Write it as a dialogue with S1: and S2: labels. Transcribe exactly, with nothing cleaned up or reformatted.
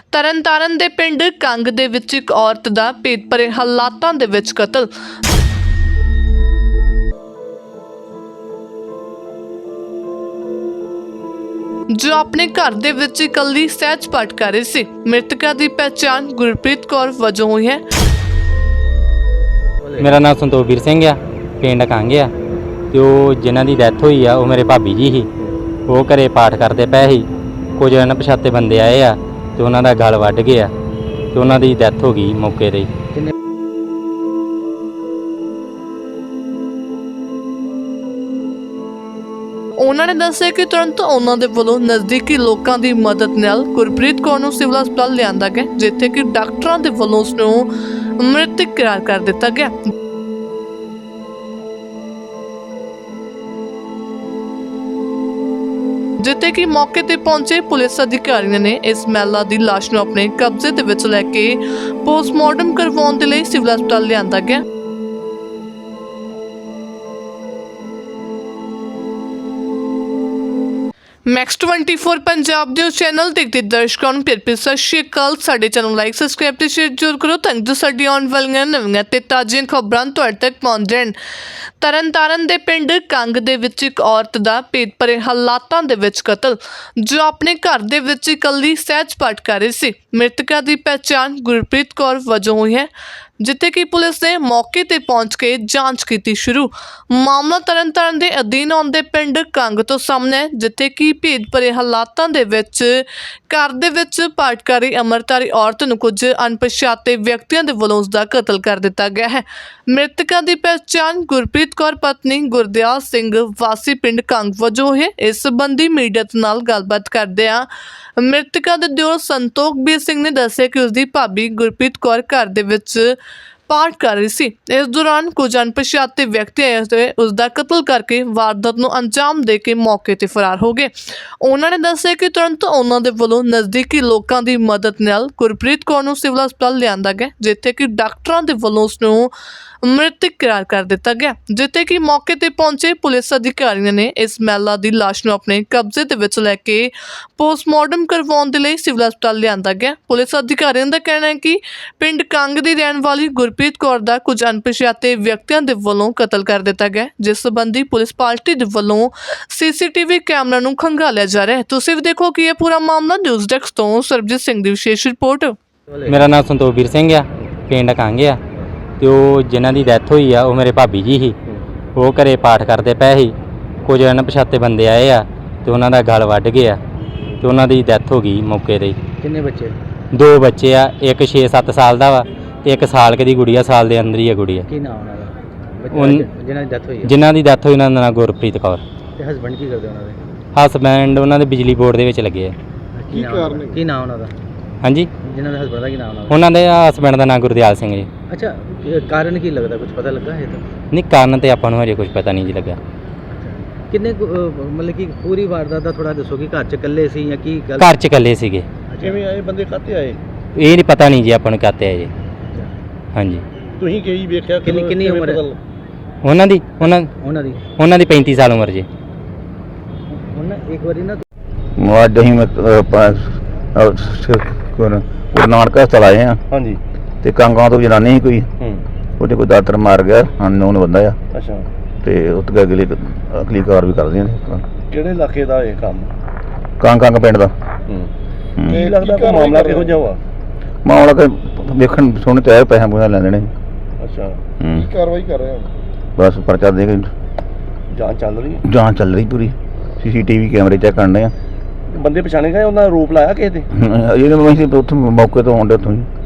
S1: ਤਰਨਤਾਰਨ ਦੇ ਪਿੰਡ ਕੰਗ ਦੇ ਵਿੱਚ ਇੱਕ ਔਰਤ ਦਾ ਭੇਤ ਭਰੇ ਹਾਲਾਤਾਂ ਦੇ ਵਿੱਚ ਕਤਲ। ਜੋ ਆਪਣੇ ਘਰ ਦੇ ਵਿੱਚ ਇਕੱਲੀ ਸਹਿਜ ਪਾਠ ਕਰ ਰਹੀ ਸੀ। ਮ੍ਰਿਤਕਾ ਦੀ ਪਹਿਚਾਣ ਗੁਰਪ੍ਰੀਤ ਕੌਰ ਵਜੋਂ ਹੋਈ ਹੈ।
S2: मेरा नाम संतोखवीर सिंह आ, पिंड कंग आ। तो जिन्हां दी डैथ हुई आ, वो मेरे भाभी जी ही। वो घरे पाठ करते पे ही, कुछ अणपछाते बंदे आए आ तो उन्हां दा गल वड्ड गया तो उन्हां दी डैथ हो गई मौके ते।
S1: ਉਹਨਾਂ ਨੇ ਦੱਸਿਆ ਕਿ ਤੁਰੰਤ ਉਹਨਾਂ ਦੇ ਵੱਲੋਂ ਨਜ਼ਦੀਕੀ ਲੋਕਾਂ ਦੀ ਮਦਦ ਨਾਲ ਗੁਰਪ੍ਰੀਤ ਕੌਰ ਨੂੰ ਸਿਵਲ ਹਸਪਤਾਲ ਲਿਆਂਦਾ ਗਿਆ, ਜਿੱਥੇ ਕਿ ਡਾਕਟਰਾਂ ਦੇ ਵੱਲੋਂ ਉਸ ਨੂੰ ਮ੍ਰਿਤਕ ਕਰਾਰ ਕਰ ਦਿੱਤਾ ਗਿਆ। ਜਿੱਥੇ ਕਿ ਮੌਕੇ ਤੇ ਪਹੁੰਚੇ ਪੁਲਿਸ ਅਧਿਕਾਰੀਆਂ ਨੇ ਇਸ ਮਹਿਲਾ ਦੀ ਲਾਸ਼ ਨੂੰ ਆਪਣੇ ਕਬਜ਼ੇ ਦੇ ਵਿੱਚ ਲੈ ਕੇ ਪੋਸਟਮਾਰਟਮ ਕਰਵਾਉਣ ਦੇ ਲਈ ਸਿਵਲ ਹਸਪਤਾਲ ਲਿਆਂਦਾ ਗਿਆ। ਮੈਕਸ ਟਵੈਂਟੀ ਫੋਰ ਪੰਜਾਬ ਦੇ ਚੈਨਲ ਦੇਖਦੇ ਦਰਸ਼ਕਾਂ ਨੂੰ ਪਿਆਰ ਭਰੀ ਸਤਿ ਸ਼੍ਰੀ ਅਕਾਲ। ਸਾਡੇ ਚੈਨਲ ਲਾਈਕ ਸਬਸਕ੍ਰਾਈਬ ਤੇ ਸ਼ੇਅਰ ਜ਼ਰੂਰ ਕਰੋ ਤਾਂ ਜੋ ਸਾਡੀ ਆਉਣ ਵਾਲੀਆਂ ਨਵੀਆਂ ਤੇ ਤਾਜ਼ੀਆਂ ਖਬਰਾਂ ਤੁਹਾਡੇ ਤੱਕ ਪਹੁੰਚ ਜਾਣ। ਤਰਨਤਾਰਨ ਦੇ ਪਿੰਡ ਕੰਗ ਦੇ ਵਿੱਚ ਇੱਕ ਔਰਤ ਦਾ ਭੇਤ ਭਰੇ ਹਾਲਾਤਾਂ ਦੇ ਵਿੱਚ ਕਤਲ। ਜੋ ਆਪਣੇ ਘਰ ਦੇ ਵਿੱਚ ਇਕੱਲੀ ਸਹਿਜ ਪਾਠ ਕਰ ਰਹੀ ਸੀ। ਮ੍ਰਿਤਕਾ ਦੀ ਪਹਿਚਾਣ ਗੁਰਪ੍ਰੀਤ ਕੌਰ ਵਜੋਂ ਹੋਈ ਹੈ, ਜਿੱਥੇ ਕਿ ਪੁਲਿਸ ਨੇ ਮੌਕੇ ਤੇ ਪਹੁੰਚ ਕੇ ਜਾਂਚ ਕੀਤੀ ਸ਼ੁਰੂ। ਮਾਮਲਾ ਤਰਨਤਾਰਨ ਦੇ ਅਧੀਨ ਆਉਂਦੇ ਪਿੰਡ ਕੰਗ ਤੋਂ ਸਾਹਮਣੇ, ਜਿੱਥੇ ਕਿ ਭੇਦ ਭਰੇ ਹਾਲਾਤਾਂ ਦੇ ਵਿੱਚ ਘਰ ਦੇ ਵਿੱਚ ਪਾਠਕਾਰੀ ਅੰਮ੍ਰਿਤਧਾਰੀ ਔਰਤ ਨੂੰ ਕੁਝ ਅਣਪਛਾਤੇ ਵਿਅਕਤੀਆਂ ਦੇ ਵੱਲੋਂ ਉਸ ਦਾ ਕਤਲ ਕਰ ਦਿੱਤਾ ਗਿਆ ਹੈ। ਮ੍ਰਿਤਕਾ ਦੀ ਪਹਿਚਾਣ ਗੁਰਪ੍ਰੀਤ ਕੌਰ ਪਤਨੀ ਗੁਰਦਿਆਲ ਸਿੰਘ ਵਾਸੀ ਪਿੰਡ ਕੰਗ ਵਜੋਂ ਹੈ। ਇਸ ਸੰਬੰਧੀ ਮੀਡੀਆ ਨਾਲ ਗੱਲਬਾਤ ਕਰਦਿਆਂ ਮ੍ਰਿਤਕਾ ਦੇ ਦਿਓਰ ਸੰਤੋਖਵੀਰ ਸਿੰਘ ਨੇ ਦੱਸਿਆ ਕਿ ਉਸ ਦੀ ਭਾਬੀ ਗੁਰਪ੍ਰੀਤ ਕੌਰ ਘਰ ਦੇ ਵਿੱਚ ਪਾਠ ਕਰ ਰਹੀ ਸੀ। ਇਸ ਦੌਰਾਨ ਕੁਝ ਅਣਪਛਾਤੇ ਵਿਅਕਤੀ ਆਏ ਤੇ ਉਸ ਦਾ ਕਤਲ ਕਰਕੇ ਵਾਰਦਾਤ ਨੂੰ ਅੰਜਾਮ ਦੇ ਕੇ ਮੌਕੇ ਤੇ ਫਰਾਰ ਹੋ ਗਏ। ਉਹਨਾਂ ਨੇ ਦੱਸਿਆ ਕਿ ਤੁਰੰਤ ਉਹਨਾਂ ਦੇ ਵੱਲੋਂ ਨਜ਼ਦੀਕੀ ਲੋਕਾਂ ਦੀ ਮਦਦ ਨਾਲ ਗੁਰਪ੍ਰੀਤ ਕੌਰ ਨੂੰ ਸਿਵਲ ਹਸਪਤਾਲ ਲਿਆਂਦਾ ਗਿਆ, ਜਿੱਥੇ ਕਿ ਡਾਕਟਰਾਂ ਦੇ ਵੱਲੋਂ ਉਸ ਨੂੰ ਮ੍ਰਿਤਕ ਕਰਾਰ ਕਰ ਦਿੱਤਾ ਗਿਆ। ਜਿੱਥੇ ਕਿ ਮੌਕੇ ਤੇ ਪਹੁੰਚੇ ਪੁਲਿਸ ਅਧਿਕਾਰੀਆਂ ਨੇ ਇਸ ਮਹਿਲਾ ਦੀ ਲਾਸ਼ ਨੂੰ ਆਪਣੇ ਕਬਜ਼ੇ ਦੇ ਵਿੱਚ ਲੈ ਕੇ ਪੋਸਟਮਾਰਟਮ ਕਰਵਾਉਣ ਦੇ ਲਈ ਸਿਵਲ ਹਸਪਤਾਲ ਲਿਆਂਦਾ ਗਿਆ। ਪੁਲਿਸ ਅਧਿਕਾਰੀਆਂ ਦਾ ਕਹਿਣਾ ਹੈ ਕਿ ਪਿੰਡ ਕੰਗ ਦੀ ਰਹਿਣ ਵਾਲੀ ਗੁਰਪ੍ਰੀਤ ਕੌਰ ਦਾ ਕੁਝ ਅਣਪਛਾਤੇ ਵਿਅਕਤੀਆਂ ਦੇ ਵੱਲੋਂ ਕਤਲ ਕਰ ਦਿੱਤਾ ਗਿਆ, ਜਿਸ ਸੰਬੰਧੀ ਪੁਲਿਸ ਪਾਰਟੀ ਦੇ ਵੱਲੋਂ ਸੀਸੀਟੀਵੀ ਕੈਮਰਾ ਨੂੰ ਖੰਗਾਲਿਆ ਜਾ ਰਿਹਾ ਹੈ। ਤੁਸੀਂ ਵੀ ਦੇਖੋ ਕਿ ਇਹ ਪੂਰਾ ਮਾਮਲਾ ਨਿਊਜ਼ ਡੈਸਕ ਤੋਂ ਸਰਬਜੀਤ ਸਿੰਘ ਦੀ ਵਿਸ਼ੇਸ਼ ਰਿਪੋਰਟ।
S2: मेरा नाम संतोखवीर सिंह आ, पिंड कंग आ। तो जिन्हां दी डैथ हुई आ, वो मेरे भाभी जी ही। वो घरे पाठ करते पे ही, कुछ अणपछाते बंदे आए आ तो उन्हां दा गल वड्ड गया तो उन्हां दी डैथ हो गई मौके ते।
S3: किन्ने बच्चे?
S2: दो बच्चे आ, एक छे सत्त साल दा वा ते एक साल दी गुड़िया, साल दे अंदर ही है गुड़िया।
S3: की नाम उन्हां दा?
S2: उन
S3: जिन्हां दी डेथ हुई है?
S2: जिन्हां दी डेथ होई उन्हां दा नाम गुरप्रीत कौर।
S3: ते हस्बैंड की करदे उन्हां दे?
S2: हस्बैंड उन्हां दे बिजली बोर्ड दे विच लगे आ।
S3: की कारण की नाम उन्हां दा?
S2: हाँ जी,
S3: जिन्हां दे हस्बैंड दा की नाम उन्हां दा?
S2: उन्हां दे हस्बैंड दा नाम गुरदयाल सिंह जी।
S3: अच्छा, ये कारण की लगदा, कुछ पता लगा है तो?
S2: नहीं, कारण ते आपां नूं हजे कुछ पता नहीं जी लगा।
S3: किन्ने मतलब कि पूरी वारदात दा थोड़ा दसो कि घर च इकल्ले सी या की गल?
S2: घर च इकल्ले सीगे।
S4: ਕਿਵੇਂ ਆਏ ਬੰਦੇ ਕਾਤੇ ਆਏ?
S2: ਇਹ ਨਹੀਂ ਪਤਾ ਨਹੀਂ ਜੀ ਆਪਾਂ ਨੂੰ ਕਾਤੇ ਆਏ ਜੀ। ਹਾਂਜੀ,
S4: ਤੁਸੀਂ ਕੀ ਵੇਖਿਆ?
S3: ਕਿੰਨੀ ਕਿੰਨੀ
S4: ਕਿਵੇਂ
S3: ਉਮਰ ਹੈ
S4: ਪਤਾ-
S2: ਉਹਨਾਂ ਦੀ ਉਹਨਾਂ
S3: ਉਹਨਾਂ ਦੀ?
S2: ਉਹਨਾਂ ਦੀ ਪੈਂਤੀ ਸਾਲ ਉਮਰ ਜੀ।
S3: ਉਹਨਾਂ ਇੱਕ ਵਾਰੀ ਨਾ
S5: ਅੱਜ ਅਸੀਂ ਗੁਰੂ ਨਾਨਕ ਹਸਪਤਾਲ ਆਏ ਆ
S4: ਹਾਂਜੀ
S5: ਤੇ ਕਾਂਗਾਂ ਤੋਂ ਜਨਾਨੀ ਸੀ ਕੋਈ,
S4: ਹੂੰ
S5: ਉਹਦੇ ਕੋਈ ਦਾਤਰ ਮਾਰ ਗਿਆ, ਅਨਨੋਨ ਬੰਦਾ ਆ
S4: ਅੱਛਾ।
S5: ਤੇ ਉੱਤੇ ਅਗਲੀ ਅਗਲੀ ਕਾਰ ਵੀ ਕਰਦੀਆਂ ਨੇ।
S4: ਕਿਹੜੇ ਇਲਾਕੇ ਦਾ ਇਹ ਕੰਮ?
S5: ਕਾਂਗ ਕਾਂਗ ਪਿੰਡ ਦਾ।
S4: ਹੂੰ
S5: ਹੂੰ।
S4: ਕੀ ਲੱਗਦਾ ਕੋਈ ਮਾਮਲਾ ਕਿਹੋ ਜਿਹਾ ਵਾ?
S5: ਮਾਮਲਾ ਕਿ ਵੇਖਣ ਸੁਣ ਤੇ ਆਏ, ਪੈਸਾ ਪੂਸਾ ਲੈ ਲੈਣੇ।
S4: ਅੱਛਾ,
S5: ਹੂੰ।
S4: ਕੀ ਕਾਰਵਾਈ ਕਰ ਰਹੇ ਹੋ?
S5: ਬਸ ਪਰਚਾ ਦੇ ਕੇ
S4: ਜਾਂਚ ਚੱਲ ਰਹੀ ਹੈ?
S5: ਜਾਂਚ ਚੱਲ ਰਹੀ ਪੂਰੀ, ਸੀਸੀਟੀਵੀ ਕੈਮਰੇ ਚੈੱਕ ਕਰਨੇ ਆ।
S4: ਬੰਦੇ ਪਛਾਣੇ ਗਏ? ਉਹਨਾਂ ਦਾ ਰੂਪ ਲਾਇਆ ਕਿਸੇ ਤੇ?
S5: ਇਹਨੇ ਅਸੀਂ ਉੱਥੋਂ ਮੌਕੇ ਤੋਂ ਆਉਂਦੇ ਉੱਥੋਂ ਹੀ